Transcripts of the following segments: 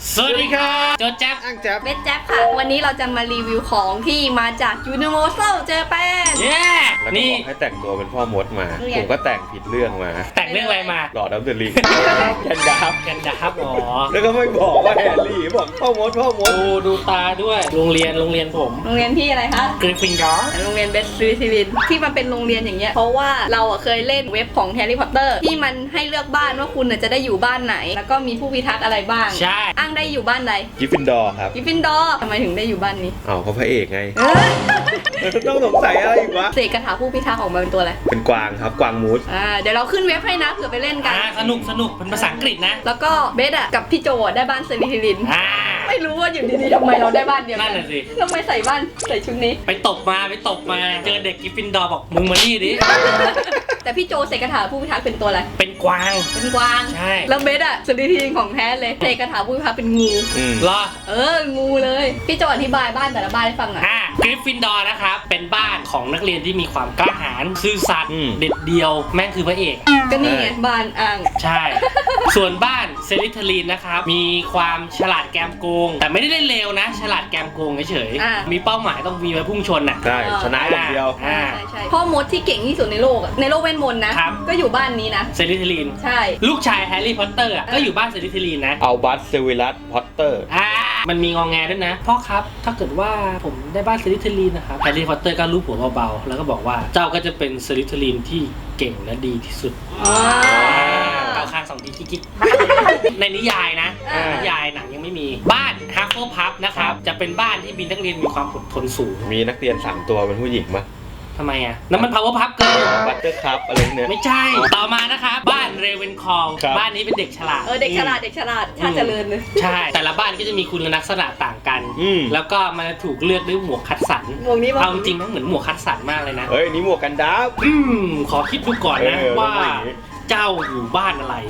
สวัสดีครับโจแจ๊บอ้างแจ๊บเบสแจ๊บค่ะวันนี้เราจะมารีวิวของที่มาจาก Universal Japan เย้แล้วก็นี่บอกให้แต่งตัวเป็นพ่อมดมาเนี่ยผมก็แต่งผิดเรื่องมาแต่งเรื่องอะไรมาหลอดดับเบิลลิงแคนดาฟกันดับอ๋อแล้วก็ไม่บอกว่าแฮร์รี่บอกพ่อมดดูตาด้วยโรงเรียนผมโรงเรียนที่อะไรคะกริฟฟินดอร์โรงเรียนเบสซิลินที่มันเป็นโรงเรียนอย่างเงี้ยเพราะว่าเราเคยเล่นเว็บของแฮร์รี่พอตเตอร์ที่มันให้เลือกบ้านว่าคุณจะได้อยู่บ้านไหน แล้วก็มีผู้พิทักษ์อะไรบ้างใช่อ้างได้อยู่บ้านใดกิฟฟินดอร์ครับกริฟฟินดอร์ทำไมถึงได้อยู่บ้านนี้อ้าวเขาพระเอกไงเอ้ยต้องสงสัยอะไรอีกวะเสกคาถาผู้พิทักษ์ออกมาเป็นตัวอะไรเป็นกวางครับกวางมูสเดี๋ยวเราขึ้นเว็บให้นะเผื่อไปเล่นกันสนุกเป็นภาษาอังกฤษนะแล้วก็เบสกับพี่โจได้บ้านเซริทิลิน ไม่รู้ว่าอยู่ดีๆทำไมเราได้บ้านเดียวกันั่นน่ะสิทำไมใส่บ้านใส่ชุดนี้ไปตบมาเจอเด็กกริฟฟินดอร์บอกมึงมานี่ดิแต่พี่โจเสกคาถาผู้พิทักษ์เป็นตัวอะไรเป็นกวางเป็นกวางใช่แล้วเบสเซริทิลินของแท้เลยเสกคาถาผู้พิทักษ์เป็นงูเหรองูเลย พี่โจอธิบายบ้านแต่ละบ้านให้ฟังหน่อยกริฟฟินดอร์นะครับเป็นบ้านของนักเรียนที่มีความกล้าหาญซื่อสัตย์เด็ดเดียวแม่งคือพระเอกก็นี่ไงบ้านอ่างใช่ ส่วนบ้านเซริทลีนนะครับ มีความฉลาดแกมโกง แต่ไม่ได้เล่นเลวนะ ฉลาดแกมโกงเฉยๆมีเป้าหมายต้องมีไว้พุ่งชนน่ะใช่ชนะอย่างเดียวใช่พ่อมดที่เก่งที่สุดในโลกในโลกเวทมนต์นะ ก็อยู่บ้านนี้นะเซริทลีนใช่ลูกชายแฮร์รี่พอตเตอร์ก็อยู่บ้านเซริทลีนนะเอาบัสเซวิลัสพอตเตอร์มันมีงองแงด้วยนะ พ่อครับ ถ้าเกิดว่าผมได้บ้านเซริทลีนนะครับแฮร์รี่พอตเตอร์ก็ลูบหัวเบาๆแล้วก็บอกว่าเจ้าก็จะเป็นเซริทลีนที่เก่งและดีที่สุดเกาคาง2 ทีกิ๊กในนิยายนะนิยายหนังยังไม่มีบ้านฮัฟเฟิลพับนะครับจะเป็นบ้านที่มีนักเรียนมีความอดทนสูงมีนักเรียน3ตัวเป็นผู้หญิงมั้ยทำไมอ่ะนั่นมัน power pup เกินบัตเตอร์คัพอะไรเนี่ยไม่ใช่ต่อมานะครับบ้านเรเวนคอลครับบ้านนี้เป็นเด็กฉลาดเด็กฉลาดชาติเจริญเลยใช่ แต่ละบ้านก็จะมีคุณลักษณะต่างกัน แล้วก็มันถูกเลือกด้วยหมวกคัดสรรหมวกนี้มั้งเอาจริงๆมันเหมือนหมวกคัดสรรมากเลยนะเฮ้ยนี่หมวกกันดับขอคิดดูก่อนนะเออว่าต้องอย่างนี้เจ้าอยู่บ้านอะไร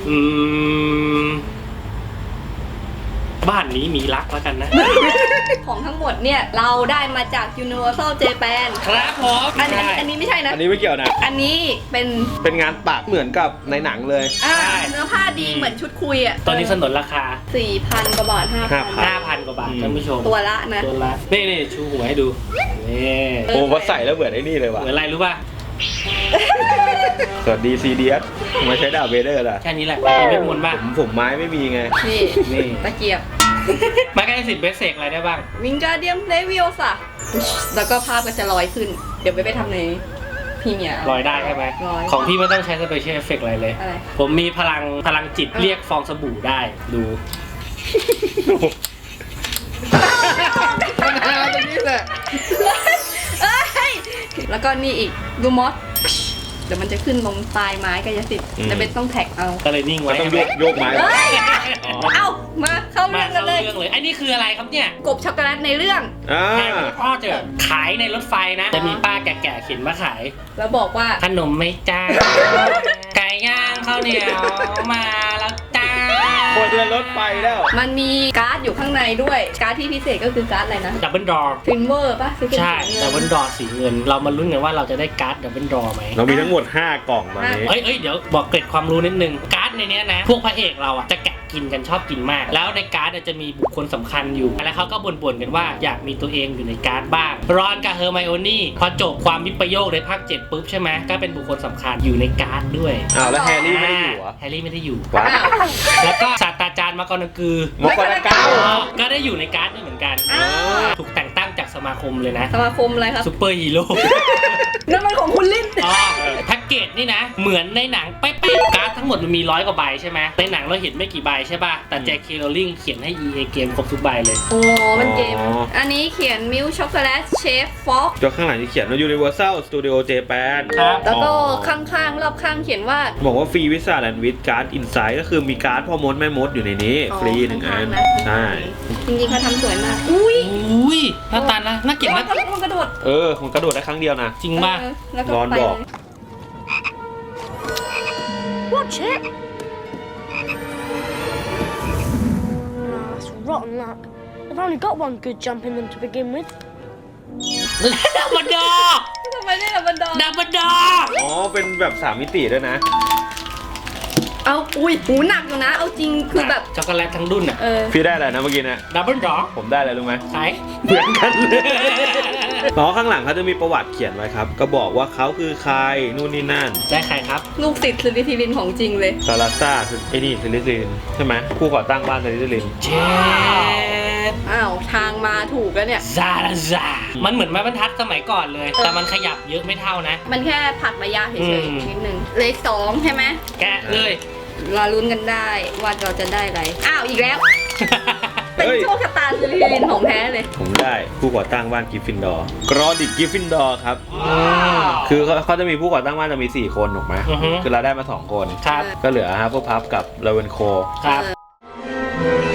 บ้านนี้มีรักแล้วกันนะของทั้งหมดเนี่ยเราได้มาจาก Universal Japan ครับผมอันนี้ไม่ใช่นะอันนี้ไม่เกี่ยวนะอันนี้เป็นงานปักเหมือนกับในหนังเลยเนื้อผ้าดีเหมือนชุดคุยตอนนี้สนนราคา 4,000 กว่าบาท 5,000 กว่าบาทท่านผู้ชมตัวละนะตัวละนี่ชูหัวให้ดูนี่โอ้ว่าใส่แล้วเหมือนไอ้นี่เลยว่ะเหมือนอะไรรู้ป่ะสวัสดีซีเดียสมาใช้ดาบเวเดอร์ล่ะแค่นี้แหละมีเวทมนต์บ้างผมไม้ไม่มีไงนี่ตะเกียบไม้กายสิทธิ์เบสเซกอะไรได้บ้างวิงการเดียมเลวิโอสะแล้วก็ภาพก็จะลอยขึ้น เดี๋ยวไปทำในพรีเมียร์ลอยได้ใช่ไหมลอยของพี่ไม่ต้องใช้สเปเชียลเอฟเฟกต์อะไรเลยอะไรผมมีพลังจิตเรียกฟองสบู่ได้ดูมันหาตรงนี้แหละแล้วก็นี่อีกดูมอสเดี๋ยวมันจะขึ้นลงปลายไม้กายสิทธิ์แต่เป็นต้องแท็กเอาก็เลยนิ่งมัไว้นต้องโยกไม้เอามาเข้ามาเรื่องกัเข้านเลยเรื่องเลยไอ้นี่คืออะไรครับเนี่ยกบช็อกโกแลตในเรื่องแฮร์รี่พอตเตอร์ขายในรถไฟนะ จะมีป้าแก่ๆเข็นมาขายแล้วบอกว่าขนมไม่จ้า ไก่ย่างข้าวเหนียวมาแล้วจ้าคนละรถไฟแล้วมันมีการ์ดอยู่ข้างในด้วยการ์ดที่พิเศษก็คือการ์ดอะไรนะดับเบิลดอร์ฟินเวอร์ป่ะซื้อเป็นใช่สีเงินดับเบิลดอร์สีเงิน เรามาลุ้นกันว่าเราจะได้การ์ดดับเบิลดอร์ไหมเรามีทั้งหมด5กล่องตอนนี้เอ้ยเดี๋ยวบอกเกร็ดความรู้นิดนึงการ์ดในเนี้ยนะพวกพระเอกเราอ่ะจะแกะกินกันชอบกินมาก แล้วในการ์ดจะมีบุคคลสำคัญอยู่แล้วเขาก็บ่นๆกันว่าอยากมีตัวเองอยู่ในการ์ดบ้างรอนกับเฮอร์ไมโอนี่พอจบความวิปโยคในภาค7ปุ๊บใช่ไหมก็เป็นบุคคลสำคัญอยู่ในการ์ดด้วยอ้าวแล้วแฮร์รี่ไม่ได้อยู่เหรอแฮร์รี่ไม่ได้อยู่ว้าอ้าวแล้วก็ศาสตราจารย์มาร์กอนากือมกรเก้าก็ได้อยู่ในการ์ดด้วยเหมือนกันอ้าวถูกแต่งตั้งจากสมาคมเลยนะสมาคมอะไรครับซูเปอร์ฮีโร่นั่นมันของคุณลิ้นอ๋อแพ็กเกจนี่นะ เหมือนในหนังเป๊ะๆการ์ดทั้งหมดมันมี100 กว่าใบใช่ไหมในหนังเราเห็นไม่กี่ใบใช่ป่ะ แต่แจ็ค เคโรลลิงเขียนให้ EA เกมครบทุกใบเลยโอ้มันเกม อันนี้เขียนมิลช็อกโกแลตเชฟฟ็อกจอข้างหลังที่เขียนว่า Universal Studio Japan ครับแล้วก็ข้างๆรอบข้างเขียนว่าบอกว่าฟรีวิซ่าแลนด์วิดการ์ดอินไซด์ก็คือมีการ์ดพ่อมดแม่มดอยู่ในนี้ ฟรี1 อันข้างๆนะใช่จริงๆเขาทำสวยมาก อุ้ยอุ้ยหน้าตาน่าเกลียดนะมันกระโดดมันกระโดดได้ครั้งเดียวนะจริงป่ะแล้วก็ร้อนไปบอกเลย Watch it! That's rotten luck. I've only got one good jump in them to begin with. ดับเบิลดอทำไมได้ดับเบิลดอดับเบิลดออ๋อ เป็นแบบ3 มิติด้วยนะเอาอุ้ยหูหนักอยู่นะ เอาจริงคือแบบช็อกโกแลตทั้งดุนอ่ะพี่ได้อะไรนะเมื่อกี้เนี่ยดับเบิลดอผมได้อะไรรู้ไหมใช่เหมือนกันเลยเพราะข้างหลังเขาจะมีประวัติเขียนไว้ครับ ก็บอกว่าเขาคือใครนู่นนี่นั่นได้ใครครับลูกศิษย์สลิธีรินของจริงเลยซาลาซ่าไอ้นี่ซิลิซิลินใช่ไหมผู้ก่อตั้งบ้านซิลิซิลินเจดอ้าวทางมาถูกแล้วเนี่ยซาลาซามันเหมือนไม้บรรทัดสมัยก่อนเลย แต่มันขยับเยอะไม่เท่านะมันแค่ผัดระยะเฉอืยมๆนิดนึงเลข2ใช่ไหมแกะเลยเราลุ้นกันได้ว่าเราจะได้อะไร อ้าวอีกแล้ว เป็นเฮ้ยโชคชะตาสลิธีรินของแท้เลยผมได้ผู้ก่อตั้งบ้านกริฟฟินดอร์กรอดิกกริฟฟินดอร์ครับ คือเขาจะมีผู้ก่อตั้งบ้านจะมี4คนถูกไหมอือฮึคือเราได้มา2คนครับก็เหลือฮัฟเฟิลพัฟกับเลเวนโคครับเออ